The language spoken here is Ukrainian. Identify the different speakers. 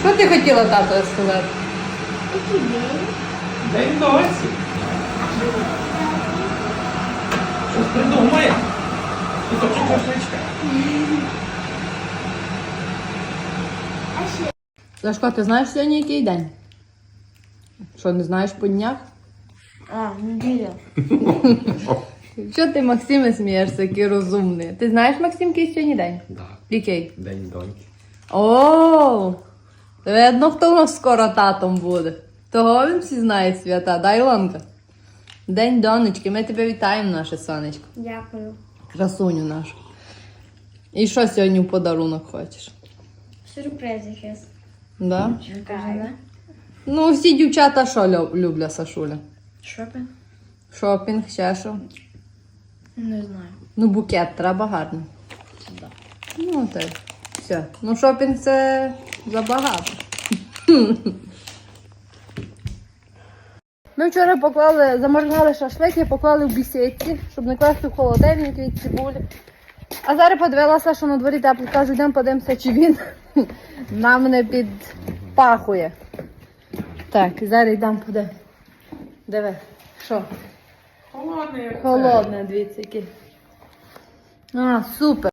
Speaker 1: Що ти хотіла тату сказати?
Speaker 2: Який день?
Speaker 3: День досі. Щось придумає. Кусочок шашличка.
Speaker 2: А ще?
Speaker 1: Сашко, ти знаєш сьогодні який день? Що, не знаєш по днях?
Speaker 2: А, неділя.
Speaker 1: Що ти, Максиме, смієшся, який розумний? Ти знаєш, Максим, який сьогодні день?
Speaker 3: Да.
Speaker 1: Який?
Speaker 3: День доньки.
Speaker 1: О, видно, хто у нас скоро татом буде. Того він всі знає свята, да, Ілонка? День донечки, ми тебе вітаємо, наше сонечко.
Speaker 2: Дякую.
Speaker 1: Красуню нашу. І що сьогодні в подарунок хочеш?
Speaker 2: Сюрприз якийсь.
Speaker 1: Да?
Speaker 2: Чекаю.
Speaker 1: Ну, всі дівчата що люблять, Сашуля?
Speaker 2: Шопінг?
Speaker 1: Шопінг, ще що?
Speaker 2: Не знаю.
Speaker 1: Ну, букет треба гарний.
Speaker 2: Да.
Speaker 1: Ну, так. Все. Ну, шопінг це забагато. Ми вчора поклали, замаринували шашлики, поклали в бісідці, щоб не класти в холодильник від цибулі. А зараз подивилася, що на дворі тепло. Кажу, йдемо подивимося, чи він нам не підпахує. Так, зараз йдемо подивимося. Диви, що?
Speaker 3: Холодний.
Speaker 1: Холодне, дивіться, яке. А, супер.